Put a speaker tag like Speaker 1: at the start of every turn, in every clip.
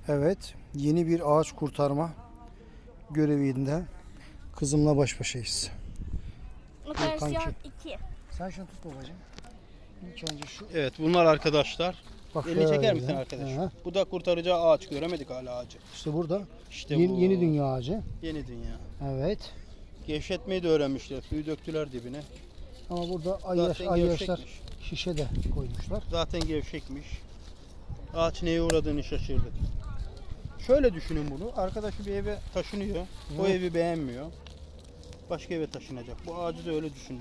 Speaker 1: Evet, yeni bir ağaç kurtarma görevinde kızımla baş başayız.
Speaker 2: Operasyon
Speaker 1: kanki.
Speaker 2: 2.
Speaker 1: Sen şunu tut babacığım. İlk önce şu.
Speaker 3: Evet bunlar arkadaşlar.
Speaker 1: Bak
Speaker 3: Elini çeker
Speaker 1: şöyle.
Speaker 3: misin arkadaş?
Speaker 1: Hı.
Speaker 3: Bu da kurtaracağı ağaç. Göremedik hala ağacı.
Speaker 1: İşte burada
Speaker 3: İşte
Speaker 1: yeni,
Speaker 3: bu.
Speaker 1: yeni dünya ağacı.
Speaker 3: Yeni dünya.
Speaker 1: Evet.
Speaker 3: Gevşetmeyi de öğrenmişler. Suyu döktüler dibine.
Speaker 1: Ama burada
Speaker 3: Zaten
Speaker 1: ayyaşlar
Speaker 3: gevşekmiş.
Speaker 1: şişe de koymuşlar.
Speaker 3: Zaten gevşekmiş. Ağaç neye uğradığını şaşırdı. Şöyle düşünün bunu. Arkadaşı bir eve taşınıyor. O
Speaker 1: Evet.
Speaker 3: evi beğenmiyor. Başka eve taşınacak. Bu ağacı da öyle düşünün.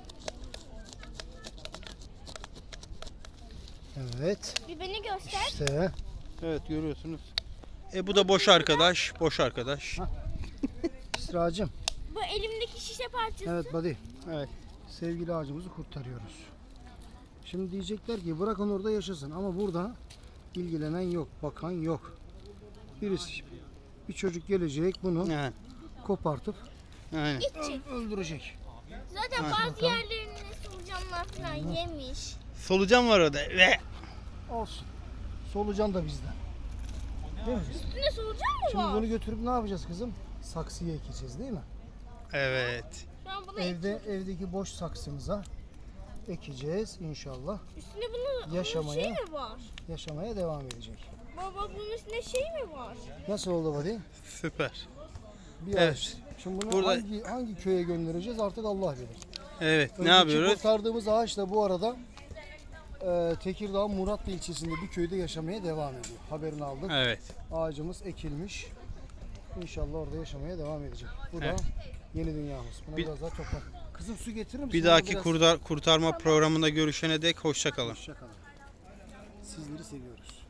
Speaker 1: Evet.
Speaker 2: Bir beni göster.
Speaker 1: İşte
Speaker 3: Evet görüyorsunuz. Bu da boş arkadaş. Boş arkadaş.
Speaker 1: İsra'cığım.
Speaker 2: Bu elimdeki şişe parçası.
Speaker 1: Evet buddy.
Speaker 3: Evet.
Speaker 1: Sevgili ağacımızı kurtarıyoruz. Şimdi diyecekler ki bırakın orada yaşasın ama burada ilgilenen yok, bakan yok. Birisi, bir çocuk gelecek bunu
Speaker 3: Yani.
Speaker 1: kopartıp
Speaker 3: Aynen.
Speaker 1: öldürecek.
Speaker 2: Zaten bazı yerlerini solucanlar falan yemiş.
Speaker 3: Solucan var orada. Ve
Speaker 1: Olsun. Solucan da bizden. Değil mi?
Speaker 2: Üstünde solucan mı
Speaker 1: Şimdi
Speaker 2: var?
Speaker 1: bunu götürüp ne yapacağız kızım? Saksıya ekeceğiz değil mi?
Speaker 3: evet.
Speaker 2: Şu an bunu
Speaker 1: Evdeki boş saksımıza ekeceğiz inşallah.
Speaker 2: üstünde bunun
Speaker 1: Yaşamaya.
Speaker 2: şey mi var?
Speaker 1: Yaşamaya devam edecek.
Speaker 2: Baba bunun üstünde şey mi var?
Speaker 1: Nasıl oldu buddy?
Speaker 3: Süper.
Speaker 1: Bir
Speaker 3: Evet.
Speaker 1: ağaç. Şimdi bunu
Speaker 3: Burada-
Speaker 1: hangi köye göndereceğiz artık Allah bilir.
Speaker 3: Evet. Ne
Speaker 1: Önceki
Speaker 3: yapıyoruz?
Speaker 1: kurtardığımız ağaç da bu arada Tekirdağ Muratlı ilçesinde bir köyde yaşamaya devam ediyor. Haberini aldık.
Speaker 3: Evet.
Speaker 1: Ağacımız ekilmiş. İnşallah orada yaşamaya devam edecek. Bu da
Speaker 3: Evet.
Speaker 1: yeni dünyamız. Buna
Speaker 3: Bir-
Speaker 1: biraz daha toprak. Kızım su getirir misin?
Speaker 3: Bir
Speaker 1: Bana
Speaker 3: dahaki
Speaker 1: biraz?
Speaker 3: kurtarma programında görüşene dek hoşça kalın.
Speaker 1: Hoşça kalın. Sizleri seviyoruz.